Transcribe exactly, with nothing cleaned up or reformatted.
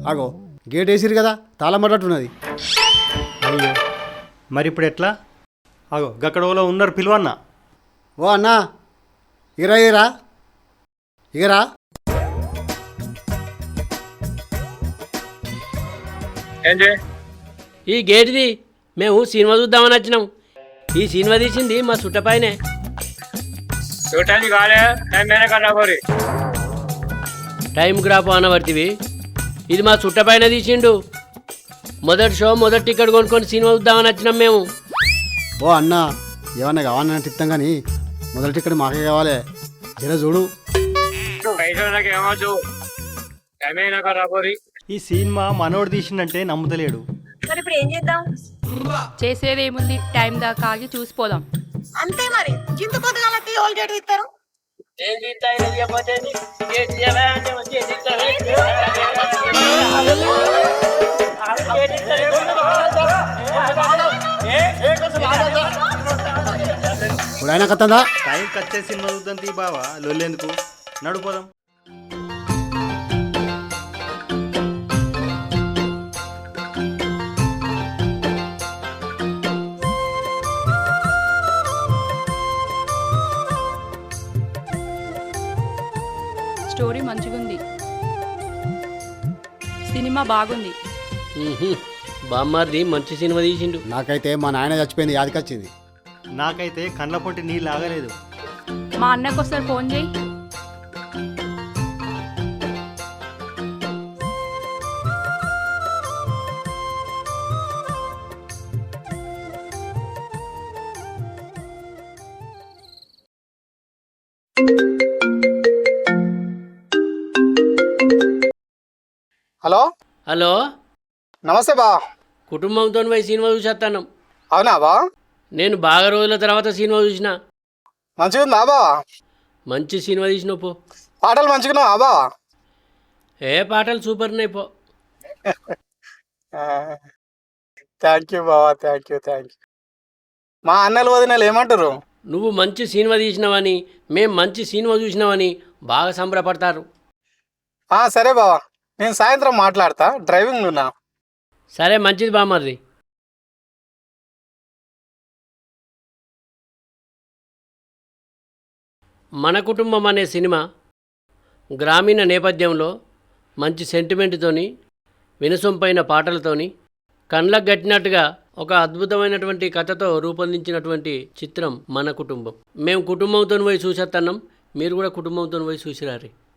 ఆగో గేట్ వేసిరు కదా తాళం పడ్డట్టున్నది. అయ్యో మరి ఇప్పుడు ఎట్లా? అగో గక్కడోలో ఉన్నారు పిలువన్నా. ఓ అన్నా ఇరా ఇరా ఇగరా. ఈ గేట్ది మేము సినిమా చూద్దామని వచ్చినాం. ఈ సినిమా తీసింది మా చుట్టపైనే. టైంకి రాపో అనబడితివి. ఇది మా చుట్టపైన తీసిండు. మొదటి షో మొదటి టికెట్ కొనుక్కొని సినిమా చూద్దామని వచ్చినాం మేము. ఓ అన్నా ఏమన్నా కావాలన్నా తిప్తాం కానీ మొదటి ఇక్కడ మాకే కావాలి. జర చూడు. ఈ సినిమా మనోడు తీసిందంటే నమ్ముతలేడు. మరి ఇప్పుడు ఏం చేద్దాం? చేసేదేముంది, టైం దాకా ఆగి చూసిపోదాం. అంతే మరి. చింత పొద్దుగాలకి ఓల్ గేట్ ఇస్తారు. ఇప్పుడు అయినా కత్తందా? టైం కచ్చే సినిమా చూద్దాం తీ బావా, లొల్లేందుకు, నడుపోదాం. స్టోరీ మంచిగుంది, సినిమా బాగుంది. బామ్మారిది మంచి సినిమా తీసిండు. నాకైతే మా నాయన చచ్చిపోయింది యాదికొచ్చింది. నాకైతే కండ్ల పొంటి నీళ్ళు ఆగలేదు. మా అన్నకు ఒకసారి ఫోన్ చేయి. హలో హలో, నమస్తే బా. కుటుంబంతో పోయి సినిమా చూసేస్తాను. అవునా బా? నేను బాగా రోజుల తర్వాత సినిమా చూసిన. మంచిగా ఉందా బా? మంచి సినిమా తీసినావు పో. పాటలు మంచిగా బా? ఏ పాటలు సూపర్ ఉన్నాయి పో. థ్యాంక్ యూ బావా, థ్యాంక్ యూ థ్యాంక్ యూ. మా అన్నలు వదినలు ఏమంటారు? నువ్వు మంచి సినిమా తీసినావని, మేము మంచి సినిమా చూసినావని బాగా సంబరపడతారు. సరే బావా, నేను సాయంత్రం మాట్లాడతా, డ్రైవింగ్ ఉన్నా. సరే మంచిది బామ్మది. మన కుటుంబం అనే సినిమా గ్రామీణ నేపథ్యంలో మంచి సెంటిమెంట్తోని, వినసొంపైన పాటలతోని, కళ్ళకు గట్టినట్టుగా ఒక అద్భుతమైనటువంటి కథతో రూపొందించినటువంటి చిత్రం మన కుటుంబం. మేము కుటుంబంతో పోయి చూసేస్తున్నాం, మీరు కూడా కుటుంబంతో పోయి చూసిరారి.